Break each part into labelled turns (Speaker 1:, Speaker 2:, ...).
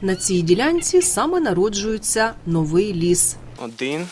Speaker 1: На цій ділянці саме народжується новий ліс.
Speaker 2: 1,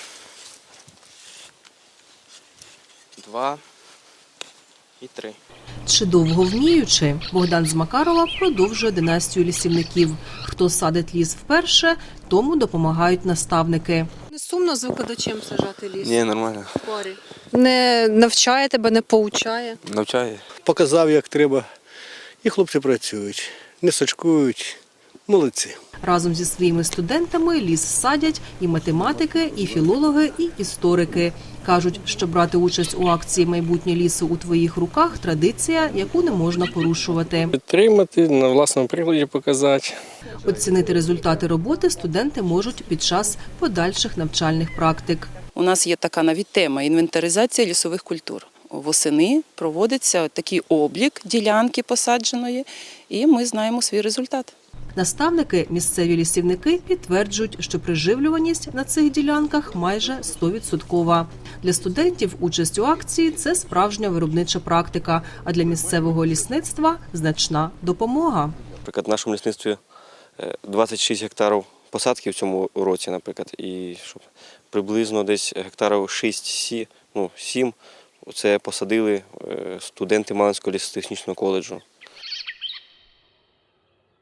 Speaker 2: 2 і 3.
Speaker 1: Чи довго вміючи, Богдан з Макарова продовжує династію лісівників. Хто садить ліс вперше, тому допомагають наставники.
Speaker 3: Не сумно з викладачем сажати ліс?
Speaker 2: Ні, нормально.
Speaker 3: В парі? Не навчає тебе, не поучає?
Speaker 2: Навчає.
Speaker 4: Показав, як треба. І хлопці працюють, не сачкують. Молодці.
Speaker 1: Разом зі своїми студентами ліс садять і математики, і філологи, і історики. Кажуть, що брати участь у акції «Майбутнє лісу у твоїх руках» – традиція, яку не можна порушувати.
Speaker 5: Підтримати, на власному прикладі показати.
Speaker 1: Оцінити результати роботи студенти можуть під час подальших навчальних практик.
Speaker 6: У нас є така навіть тема – інвентаризація лісових культур. Восени проводиться такий облік ділянки посадженої, і ми знаємо свій результат.
Speaker 1: Наставники, місцеві лісівники підтверджують, що приживлюваність на цих ділянках майже 100%. Для студентів участь у акції – це справжня виробнича практика, а для місцевого лісництва – значна допомога.
Speaker 2: Наприклад, в нашому лісництві 26 гектарів посадки в цьому році, наприклад, і щоб приблизно десь гектарів 6-7 це посадили студенти Малинського лісотехнічного коледжу.